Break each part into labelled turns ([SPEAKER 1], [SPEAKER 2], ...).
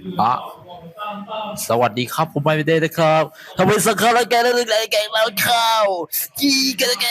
[SPEAKER 1] อ่ะสวัสดีครับผมไม่ได้นะครับทำไมสังขารแกแล้วแกมาข้าวจีกันแก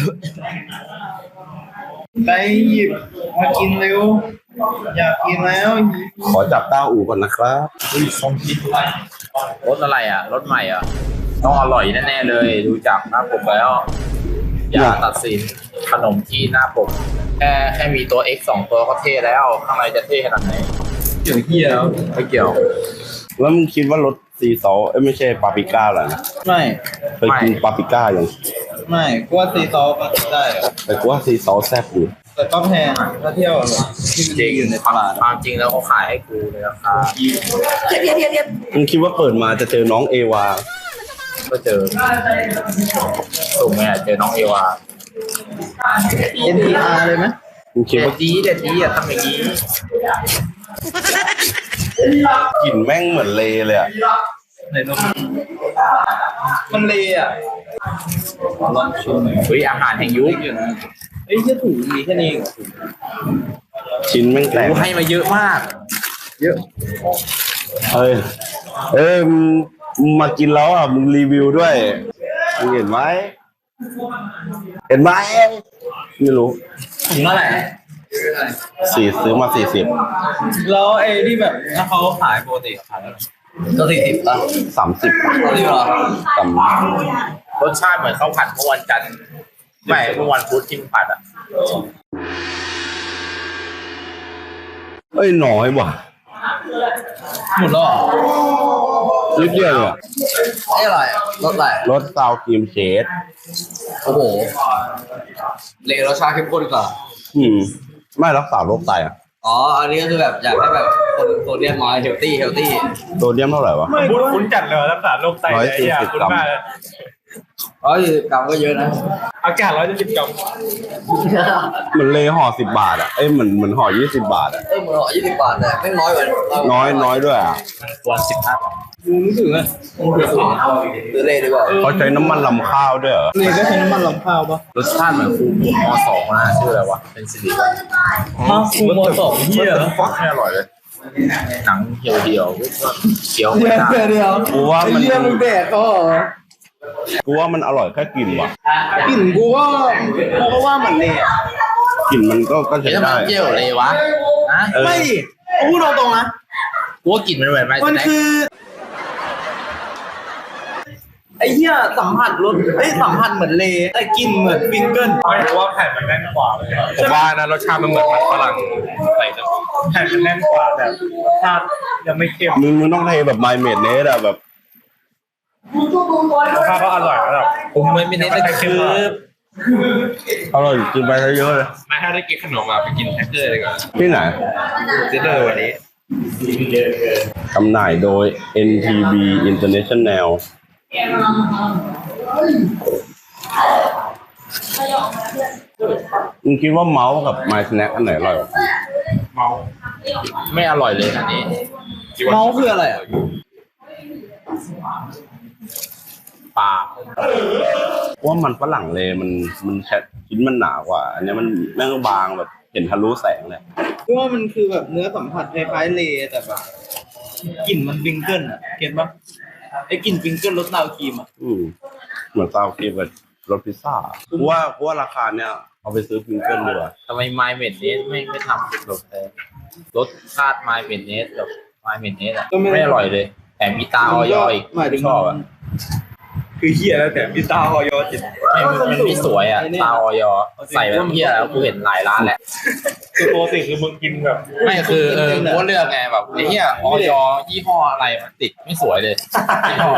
[SPEAKER 2] ไปหยิบมากินเร็วอยากกินแล้ว
[SPEAKER 3] ขอจับต้าอู่ก่อนนะครับ
[SPEAKER 1] ส้มคิดรสอะไรอ่ะรสใหม่อ่ะต้องอร่อยแน่ๆเลยดูจากหน้าปกแล้วอย่าตัดสินขนมที่หน้าปกแค่มีตัว X 2ตัวก็เท่แล้วข้างในจะเท่ขนาดไหน
[SPEAKER 2] เกี่ยวเหี้ยแล้ว
[SPEAKER 1] ไม่เกี่ยว
[SPEAKER 3] แล้วมึงคิดว่ารสซีซอสไม่ใช่ปาปริก้าเหรอนะ
[SPEAKER 2] ไม่
[SPEAKER 3] เคยกินปาปริก้ายัง
[SPEAKER 2] ไม่กูว่าซีซอสก็ได้อะ
[SPEAKER 3] แต่กูว่าซีซอสแซ่บอยู่
[SPEAKER 2] แต่ก็แพงอ่ะถ้าเที่ยวแบบที่มันอยู่ในตลาด
[SPEAKER 1] ความจริงแล้วเขาขายให้กูเลยราคา
[SPEAKER 3] มึงคิดว่าเปิดมาจะเจอน้องเอวา
[SPEAKER 1] ก็เจอสุ่มไงเจอน้องเอวา
[SPEAKER 2] NTR เลยไหม
[SPEAKER 3] มึงคิดว่า
[SPEAKER 1] เด็ดดีอ่ะทำอย่างนี้
[SPEAKER 3] กลิ่นแม่งเหมือนเลเลยอ่ะ
[SPEAKER 2] ไหนนมมันเลอ่ะลองชิมหน่อย
[SPEAKER 1] เฮ้ยอาหารแห่งยุค
[SPEAKER 2] เอ้ยแค่ถุงมีแค่นี้เอง
[SPEAKER 3] ชิ้นแม่งแตก
[SPEAKER 1] ให้มาเยอะมาก
[SPEAKER 2] เยอะ
[SPEAKER 3] มึงมากินแล้วอ่ะมึงรีวิวด้วยมึงเห็นไหมไม่รู้
[SPEAKER 2] ถุงเท่าไหร่
[SPEAKER 3] ซื้อมา40
[SPEAKER 2] แล้วไอ้ที่แบบถ้าเขาขายปกติขายเท่าไหร่ก็40ป่ะ
[SPEAKER 3] 30
[SPEAKER 2] 40หรอ
[SPEAKER 1] รสชาติเหมือนข้าวผัดเมื่อวันจันทร์ไม่เมื่อวันพุธที่มึงผัดอ่ะ
[SPEAKER 3] เอ้ยน้อยว่ะ
[SPEAKER 2] หมดแล้ว
[SPEAKER 3] นิดเดียวเลย
[SPEAKER 2] อะไรรสอะไร
[SPEAKER 3] รสซาวครีมเชด
[SPEAKER 2] โอ้โหเลรสชาติเข้มข้นกว่า
[SPEAKER 3] ไม่รักษาโรคไตอ่ะ
[SPEAKER 2] อ๋ออันนี้ก็คือแบบอยากให้แบบคนโซเดียมน้อยเฮลตี้
[SPEAKER 3] โซเดียมเท่าไหร่วะ
[SPEAKER 4] ไม่คุ้นจัดเลยรักษาโรคไตเลยอ่ะคุ้นมาก
[SPEAKER 2] 140 กรัมก็เยอะนะ
[SPEAKER 4] อากาศ140 กรัม
[SPEAKER 3] เหมือนเลยห่อ10 บาทอ่ะเหมือนห่อ20 บาทอ่ะ
[SPEAKER 2] เหมือนห่อ20 บาทแต่ไม่น้อยกว่า
[SPEAKER 3] น้อยด้วยอ่ะ
[SPEAKER 1] วัน15
[SPEAKER 2] รู้สึกเลยซื้อเลดีกว่า
[SPEAKER 3] เขาใช้น้ำมันลำข้าวด้วยเหรอ
[SPEAKER 2] เลก็ใช้น้ำมันลำข้าวปะ
[SPEAKER 1] รสชาติเหมือนคูม2นะชื่ออะไรวะเป็นสิริ
[SPEAKER 2] คูม2เหี้ย
[SPEAKER 1] ฟักไม่อร่อยเลยหนังเหี่ยวเคี้ยวไม่ได้
[SPEAKER 3] กูว่ามัน
[SPEAKER 2] แดกก็
[SPEAKER 3] กูว่ามันอร่อยแค่กลิ่นว่ะ
[SPEAKER 2] กลิ่นกูก็ว่าเหมือนเล
[SPEAKER 3] กลิ่นมันก็ใช้ได้
[SPEAKER 1] เจียวเลยวะ
[SPEAKER 2] ไม่กูพูดตรงๆนะ
[SPEAKER 1] กูว่ากลิ่นมันเหมือนไหม
[SPEAKER 2] มันคือไอ้เหี้ยสัมผัสรสสัมผัสเหมือนเลแต่กลิ่นเหมือนฟิงเกิล
[SPEAKER 4] เพราะว่าแผ่นมันแน่นกว่าเลยผมว่านะรสชาติมันเหมือนมันฝรั่งใส่แผ่นมันแน่นกว่าแต่รสชาติยังไม่เข้ม
[SPEAKER 3] มึงต้องเทแบบไมเมดเนสอะแบบ
[SPEAKER 4] รสชาติก็อร่อยแล้ว
[SPEAKER 1] ผมไม่ได้คือ
[SPEAKER 3] อร่อยกินไปเยอะเลย
[SPEAKER 4] ไม่ถ้าได้กินขนมมาไปกินแฮกเกอร์เลยก่อน
[SPEAKER 3] ที่ไหน
[SPEAKER 4] ซื้อเลยวันนี้
[SPEAKER 3] จำหน่ายโดย NTB International มึงคิดว่าเมาส์กับ My Snack อันไหนอร่อยกว่า
[SPEAKER 4] เมา
[SPEAKER 1] ไม่อร่อยเลยอันนี้
[SPEAKER 2] เมาส์คืออะไรอ่ะ
[SPEAKER 1] ปลา
[SPEAKER 3] ว่ามันฝรั่งเลยมันแค่ชิ้นมันหนากว่า อันนี้มันแม่งบางแบบเห็นทะลุแสงเลย
[SPEAKER 2] ว่ามันคือแบบเนื้อสัมผัสคล้ายๆเลแต่แบบกลิ่นมันฟิงเกิลอ่ะเห็นปะไอ้กลิ่นฟิงเกิลรสซาวครีมอ่ะ
[SPEAKER 3] เหมือนซาวครีมกับรสพิซซ่ากูว่าราคาเนี้ยเอาไปซื้อฟิงเกิลดีกว่า
[SPEAKER 1] ทำไมไมเมนเนสไม่ทำเป็นแบบรสชาติไมเมนเนสกับไมเมนเนสอ่ะไม่อร่อยเลยแต่มีตาออยอีกชอบอ่ะ
[SPEAKER 4] คือเฮียแล้วแต่มีตาออยจิต
[SPEAKER 1] มันไม่สวยอ่ะตาออยใส่แบบเฮียแล้วกูเห็นหลายร้านแหละ
[SPEAKER 4] คือปกติคือมึงกินแบบ
[SPEAKER 1] ไม่คือกูเลือกไงแบบไอ้เฮียออยยี่ห้ออะไรมันติดไม่สวยเลยยี่ห้อ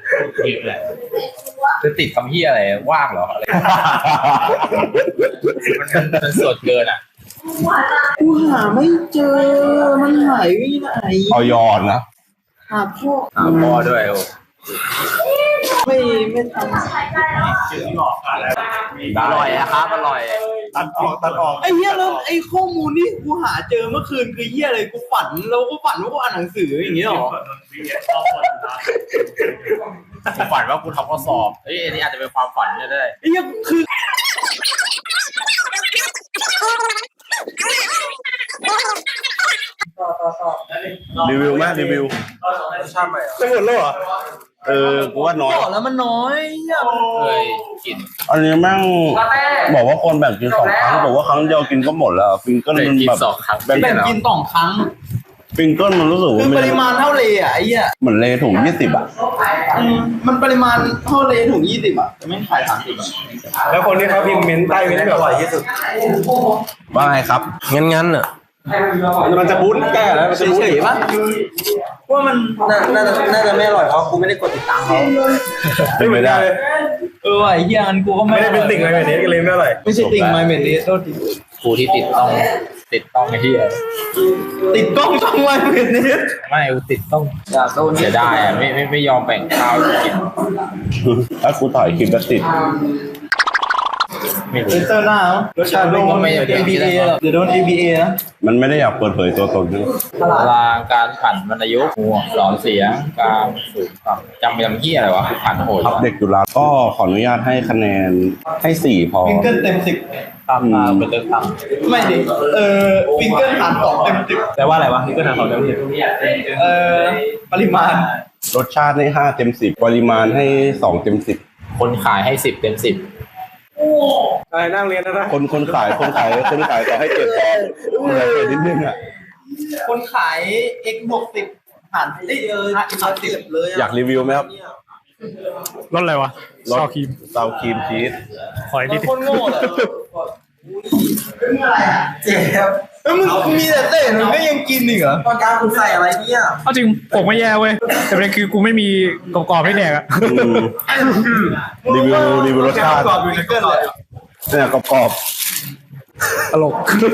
[SPEAKER 1] จะติดคำเฮียอะไรว่างเหรออะไรมันสดเกินอ่ะ
[SPEAKER 2] กูหาไม่เจอมันหายไปไหน
[SPEAKER 3] ออยนะ
[SPEAKER 2] หาพ่อ
[SPEAKER 1] ด้วย
[SPEAKER 2] ไม่ทำ
[SPEAKER 1] อร่อยนะครับอร่อย
[SPEAKER 4] ตัดออก
[SPEAKER 2] ไอ้เหี้ยแล้วไอ้ข้อมูลนี่กูหาเจอเมื่อคืนคือเหี้ยอะไรกูฝันแล้วก็ฝันว่ากูอ่านหนังสืออย่างเงี้ยหรอ
[SPEAKER 1] กูฝันว่ากูทำข้อสอบอันนี้อาจจะเป็นความฝันก็ได้
[SPEAKER 2] ไอ้เหี้ยคือ
[SPEAKER 3] รีวิวไหมรีวิว
[SPEAKER 4] รสชาติใหม่ไม่หมดแล้วเหรอ
[SPEAKER 3] กูว่าน้อย
[SPEAKER 2] บอกแล้วมันน้อยเนี่ย
[SPEAKER 1] เคยกิน
[SPEAKER 3] อันนี้แม่งบอกว่าคนแบ่งกิน2 ครั้งบอกว่าครั้งเดียวกินก็หมดแล้วฟิงเกิล
[SPEAKER 1] เคย
[SPEAKER 3] มัน
[SPEAKER 1] กิน
[SPEAKER 3] แบบ
[SPEAKER 1] 2 ครั้ง
[SPEAKER 3] แบ่ง
[SPEAKER 2] แบ่งกิน2 ครั้ง
[SPEAKER 3] ฟิงเกิลมันรู้สึก
[SPEAKER 2] คื
[SPEAKER 3] ว่า
[SPEAKER 2] อ
[SPEAKER 3] มัน
[SPEAKER 2] ปริมาณเท่าเลอ่ะไอ้เหี้ย
[SPEAKER 3] เหมือนเลถุง20อ่ะ
[SPEAKER 2] มันปริมาณเท่าเลถุง20อ่ะแต่ไม่ขาย30อ่ะ
[SPEAKER 4] แล้วคนที่เขาพิมพ์เมนต์ใต้เมนต์แบบอร่อยที่สุด
[SPEAKER 3] ว่าไงครับ
[SPEAKER 4] งั้นอ่ะมันจะบู๊แก้แล้วมันจะบู๊
[SPEAKER 2] เฉยๆป่ะว่ามันน่าจะไม่อร่อยเพราะกูไม่ได้กดติดตามเขา
[SPEAKER 3] ไม่ได้
[SPEAKER 2] ว่ะไอ้เหี้ยงั้นกูก็
[SPEAKER 4] ไม่ได้เป็นติ่งอะไรแบบนี้ก็เลยไม่อร่อย
[SPEAKER 2] ไม่ใช่ติ่งไมเมดนี้โทษที
[SPEAKER 1] กูที่ติดต้องไอ้ที่
[SPEAKER 2] ติดกล้องช่องไมเมดนี้
[SPEAKER 1] ไม่กูติดต้อง
[SPEAKER 2] อย่าโดน
[SPEAKER 1] เสียดายอ่ะไม่ยอมแบ่งข้าวกิน
[SPEAKER 3] ถ้ากูถ่ายคลิปก็ติด
[SPEAKER 1] ไม่รู้
[SPEAKER 2] เซนเตอร์หน้ารสชาติโดน ABA เดี๋ยวโดน ABA นะ
[SPEAKER 3] มันไม่ได้อยากเปิดเผยตัวตนนะ
[SPEAKER 2] ตลาด
[SPEAKER 1] ตารางการผันวรรณยุกต์หัวหลอนเสียงการสูงต่ำจำเหี้ยอะไรวะผันโหด
[SPEAKER 3] ครับเด็กจุฬาก็ขออนุญาตให้คะแนนให้4พอ
[SPEAKER 2] ฟิงเกิลเต็ม
[SPEAKER 1] ตามมาเป็นเรื่องตั้ง
[SPEAKER 2] 10ไม่ดิฟิงเกิลหาร2เต็ม10
[SPEAKER 4] แต่ว่าอะไรวะนี่ก็ทางเขาเดิม
[SPEAKER 2] ปริมาณ
[SPEAKER 3] รสชาติให้5เต็ม10ปริมาณให้2เต็ม10
[SPEAKER 1] คนขายให้10 เต็ม 10
[SPEAKER 4] อะไรนั่งเรียนนะ
[SPEAKER 3] คนขายต่อให้7พอเหลือเกินนิดนึงอ่ะ
[SPEAKER 2] คนขาย x บวก10หาร10เลย
[SPEAKER 3] อยากรีวิวไหมครับ
[SPEAKER 4] รสอะไรวะ
[SPEAKER 3] รสเตาครีมชีส
[SPEAKER 4] ขออีกนิด
[SPEAKER 2] คนโง่เลยเจ็บมึงมีแต่เต้นมึงก็ยังกินอีกเหรอตอนกลางคุณใส่อะไรเนี่ย
[SPEAKER 5] เอาจริงผมไม่แย่เว้ยแต่ประเด็นคือกูไม่มีกรอบๆให้แดกอะ
[SPEAKER 3] รีวิวรสชาติ
[SPEAKER 2] กรอบอยู่ในเกินเลย
[SPEAKER 3] เนี่ยกรอบ
[SPEAKER 5] ตลก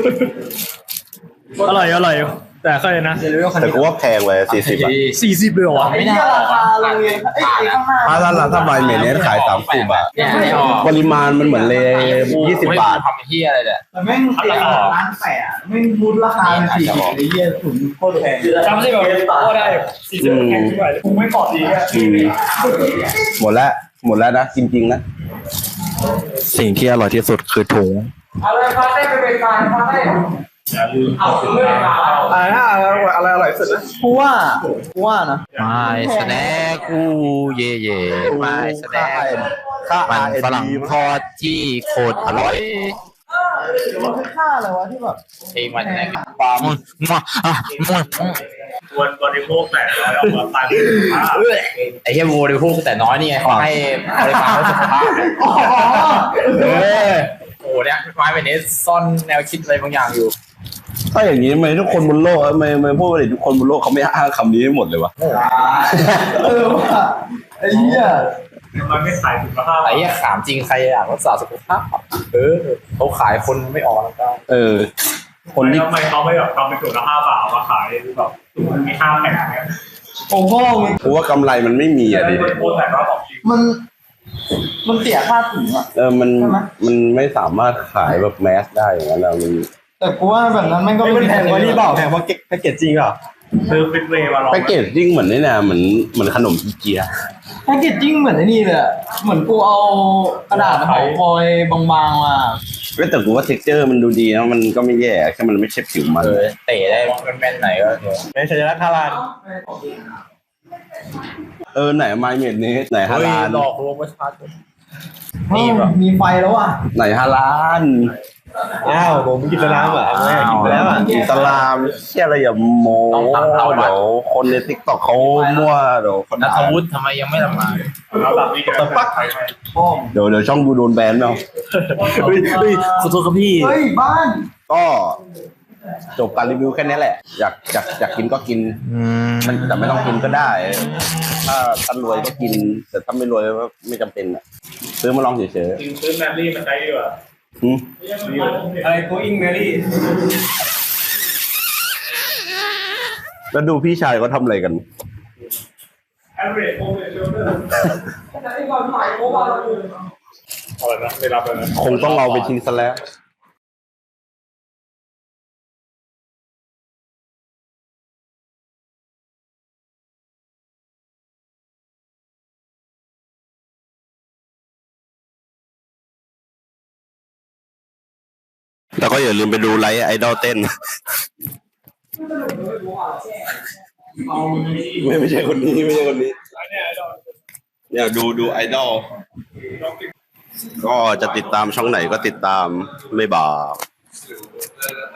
[SPEAKER 5] อร่อยแต่เคยนะ
[SPEAKER 3] ๆแต่กูว่าแพงไป40บาท
[SPEAKER 5] 40เลยเหรอวะ
[SPEAKER 2] ไอ้เนี่ยราคาโรงเรียนไอ้ข้างหน้า
[SPEAKER 3] ถ้าไมเมเนสขาย30บาท
[SPEAKER 1] เนี่ยไม่ออก
[SPEAKER 3] ปริมาณมันเหมือนเล20 บาท
[SPEAKER 1] ทำเหี้ยอะไรเนี่ย
[SPEAKER 2] แต่แม่งร้านแปะแม่งบูธราคา40ไอ้เหี้ยถุงโคตรแพง
[SPEAKER 5] จำได้แบบก็ได้40แข็งขึ้นไปกูไม่กรอบดีอะ
[SPEAKER 3] หมดแล้วนะจริงๆนะ
[SPEAKER 6] สิ่งที่อร่อยที่สุดคือถุง
[SPEAKER 2] อะไรพาเต้ไปเป็นการพาเต้เอาเรื่องราว
[SPEAKER 4] อะไรอร่อยสุดนะ
[SPEAKER 2] กูว่านะ
[SPEAKER 6] ไม่แสดงกูเย่ไม่แสดงมันฝรั่งทอดที่โคตรอร่อย
[SPEAKER 2] มันคือค่าอะไรวะที่แบบ
[SPEAKER 1] เพลงมันไหน
[SPEAKER 4] วันบริโภคแต่ร้อยออกมาตัน
[SPEAKER 1] ไอ้เหี้ยโวดิพูดแต่น้อยนี่ไงเขาให้บริการสุขภาพโอ้เนี่ยไม้เป็นเนสซ่อนแนวคิดอะไรบางอย่างอยู่
[SPEAKER 3] ถ้าอย่างนี้ทำไมทุกคนบนโลกไม่พูดว่าทุกคนบนโลกเขาไม่อ้างคำนี้หมดเลยวะ
[SPEAKER 2] ว่ะไอ้เหี้ย
[SPEAKER 4] มันไม่ขายสุขภาพ
[SPEAKER 1] ไอ้เหี้ยขามจริงใครอยากรักษาสุขภาพเขาขายคนไม่ออกแล้วก็
[SPEAKER 3] คนที่
[SPEAKER 4] ทำไมเขาไม่แบบทำเป็นถุงละ5 บาทเอามาขายแบบมันมี5 แผ่นเนี่ย
[SPEAKER 2] ผมพ่อมึง
[SPEAKER 3] กูว่ากำไรมันไม่มีอ่ะดิ
[SPEAKER 4] พูดแต่ว่าของจริง
[SPEAKER 2] มันเสียค่าถุงอ่ะ
[SPEAKER 3] มันไม่สามารถขายแบบแมสได้อย่างนั้นเรามัน
[SPEAKER 2] แต่กูว่าแบบนั้นมันก็
[SPEAKER 4] ไม่แพงกว่านี่เปล่าแพงกว่าแพ็กเกจจริงเหรอคือฟิตเวย์มาลอง
[SPEAKER 3] แพ็กเกจจิ้งเหมือนนี่นะเหมือนขนมอีเกีย
[SPEAKER 2] แพ็กเกจจิ้งเหมือนไอ้นี่เลยเหมือนกูเอากระดาษห่อฟอยล์บางๆมา
[SPEAKER 3] แต่กูว่าเท็กเจอร์มันดูดีนะมันก็ไม่แย่แค่มันไม่ใช่ผิวมัน
[SPEAKER 1] เตะได้แม่นไหนก็เถอะ
[SPEAKER 4] เป็นสัญลักษณ์ทาราน
[SPEAKER 3] ไหนไมเมดเนสไหนฮาลาน
[SPEAKER 1] หลอกลวงประชาชน
[SPEAKER 2] มีไฟแล้วอ่ะ
[SPEAKER 3] ไหนฮาลาน
[SPEAKER 4] อ้าวผมกินสลามอ่ะไม่กินไปแล้วอ่ะ
[SPEAKER 3] อิสลามเชี่ยอะไรอย่าโมเดี๋ยวคนในทิกตอกเขามั่วเดี๋ยวคน
[SPEAKER 1] นัท
[SPEAKER 3] ด่า
[SPEAKER 1] วุฒิทำไมยังไม่ละหมาด
[SPEAKER 4] แล้วแบบนี้กันปัก
[SPEAKER 3] เดี๋ยวช่องกูโดนแบนแล้ว
[SPEAKER 1] ขอโทษครับพี่
[SPEAKER 2] เฮ้ยบ้าน
[SPEAKER 3] ก็จบการรีวิวแค่นี้แหละ อยากกินก็กินแต่ไม่ต้องกินก็ได้ ถ้ารวยก็กิน แต่ถ้าไม่รวยก็ไม่จำเป็นอ่ะซื้อมาลองเฉย
[SPEAKER 4] ซื้อแมรี่มาใช้ดีกว่า
[SPEAKER 3] ๆ
[SPEAKER 4] อะไรกูอิงแมรี่
[SPEAKER 3] แล้วดูพี่ชายเขาทำอะไรกัน
[SPEAKER 4] average over shoulder อะไรนะไม่รับเลยนะ
[SPEAKER 3] คงต้องเอาไปทิ้งซะแล้ว แล้วก็อย่าลืมไปดูไลฟ์ไอดอลเต้นไม่ใช่คนนี้ไม่ใช่คนนี้เนี่ยดูไอดอลก็จะติดตามช่องไหนก็ติดตามไม่บอก